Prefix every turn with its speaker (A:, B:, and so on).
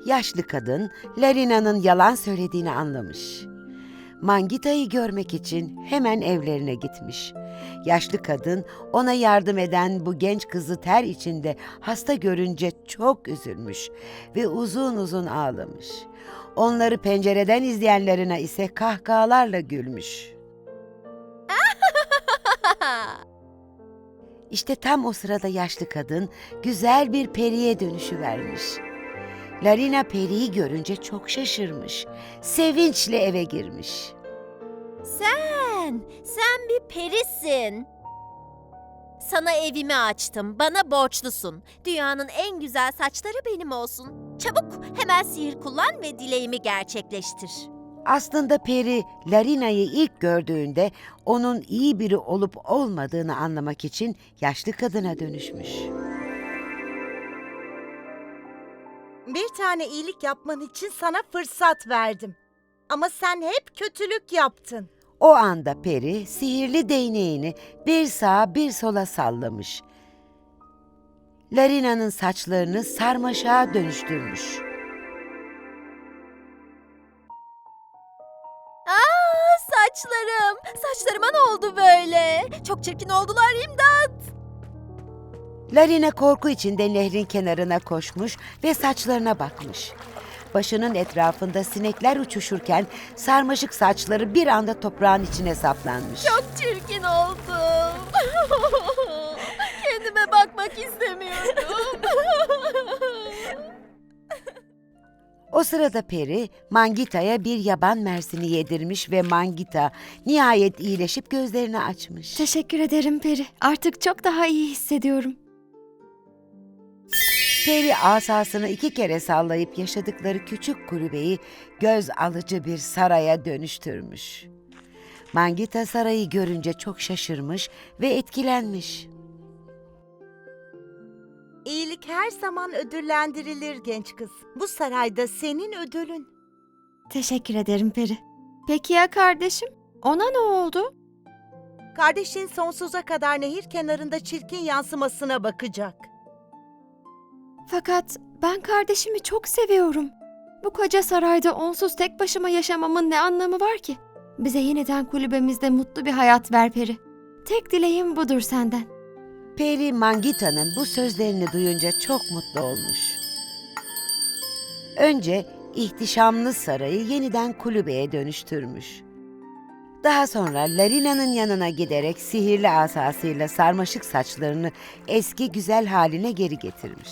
A: Yaşlı kadın Larina'nın yalan söylediğini anlamış. Mangita'yı görmek için hemen evlerine gitmiş. Yaşlı kadın ona yardım eden bu genç kızı ter içinde hasta görünce çok üzülmüş ve uzun uzun ağlamış. Onları pencereden izleyenlerine ise kahkahalarla gülmüş. İşte tam o sırada yaşlı kadın güzel bir periye dönüşüvermiş. Larina periyi görünce çok şaşırmış. Sevinçle eve girmiş.
B: Sen bir perisin. Sana evimi açtım, bana borçlusun. Dünyanın en güzel saçları benim olsun. Çabuk hemen sihir kullan ve dileğimi gerçekleştir.
A: Aslında peri Larina'yı ilk gördüğünde onun iyi biri olup olmadığını anlamak için yaşlı kadına dönüşmüş.
C: Bir tane iyilik yapman için sana fırsat verdim. Ama sen hep kötülük yaptın.
A: O anda peri sihirli değneğini bir sağa bir sola sallamış. Larina'nın saçlarını sarmaşığa dönüştürmüş.
B: Saçlarım! Saçlarıma ne oldu böyle? Çok çirkin oldular, imdat!
A: Larina korku içinde nehrin kenarına koşmuş ve saçlarına bakmış. Başının etrafında sinekler uçuşurken sarmaşık saçları bir anda toprağın içine saplanmış.
B: Çok çirkin oldum. Kendime bakmak istemiyorum.
A: O sırada peri Mangita'ya bir yaban mersini yedirmiş ve Mangita nihayet iyileşip gözlerini açmış.
D: Teşekkür ederim Peri. Artık çok daha iyi hissediyorum.
A: Peri asasını 2 kere sallayıp yaşadıkları küçük kulübeyi göz alıcı bir saraya dönüştürmüş. Mangita sarayı görünce çok şaşırmış ve etkilenmiş.
C: İyilik her zaman ödüllendirilir genç kız. Bu sarayda senin ödülün.
D: Teşekkür ederim Peri. Peki ya kardeşim? Ona ne oldu?
C: Kardeşin sonsuza kadar nehir kenarında çirkin yansımasına bakacak.
D: Fakat ben kardeşimi çok seviyorum. Bu koca sarayda onsuz tek başıma yaşamamın ne anlamı var ki? Bize yeniden kulübemizde mutlu bir hayat ver Peri. Tek dileğim budur senden.
A: Peri Mangita'nın bu sözlerini duyunca çok mutlu olmuş. Önce ihtişamlı sarayı yeniden kulübeye dönüştürmüş. Daha sonra Larina'nın yanına giderek sihirli asasıyla sarmaşık saçlarını eski güzel haline geri getirmiş.